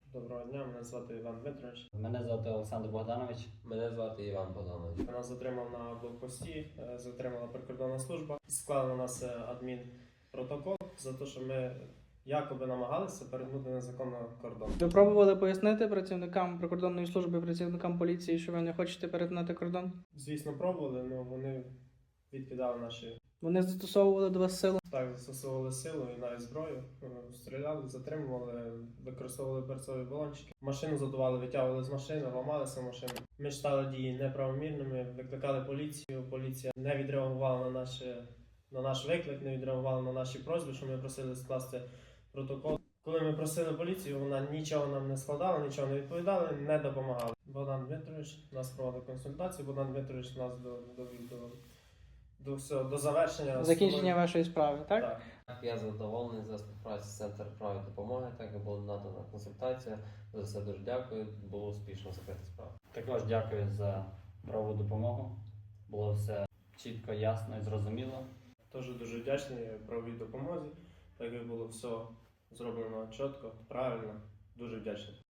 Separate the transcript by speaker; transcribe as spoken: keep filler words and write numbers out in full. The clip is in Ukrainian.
Speaker 1: Доброго дня, мене звати Іван Дмитрович.
Speaker 2: Мене звати Олександр Богданович.
Speaker 3: Мене звати Іван Богданович.
Speaker 1: Нас затримав на блокпості, е, затримала прикордонна служба. Склали на нас е, адмінпротокол за те, що ми якоби намагалися перетнути незаконно кордон.
Speaker 4: Ви пробували пояснити працівникам прикордонної служби, працівникам поліції, що ви не хочете перетинати кордон?
Speaker 1: Звісно, пробували, але вони відкидали наші.
Speaker 4: Вони застосовували до вас силу?
Speaker 1: Так, застосовували силу і навіть зброю, е, стріляли, затримували, використовували перцові балончики. Машину задували, витягували з машини, ламалися машину. Ми читали дії неправомірними, викликали поліцію. Поліція не відреагувала на наші, на наш виклик, не відреагувала на наші просьби, що ми просили скласти протокол. Коли ми просили поліцію, вона нічого нам не складала, нічого не відповідала, не допомагала. Богдан Дмитрович нас проводив консультацію, Богдан Дмитрович нас довів до, до, до, всього, до завершення.
Speaker 4: Закінчення вашої справи, так?
Speaker 1: Так.
Speaker 3: Я задоволений за співпрацю з Центром правої допомоги, так і була надана консультація. За все дуже дякую, було успішно закрита справа.
Speaker 2: Також дякую за правову допомогу. Було все чітко, ясно і зрозуміло.
Speaker 1: Теж дуже вдячний правовій допомозі, так як було все зроблено чітко, правильно, дуже вдячний.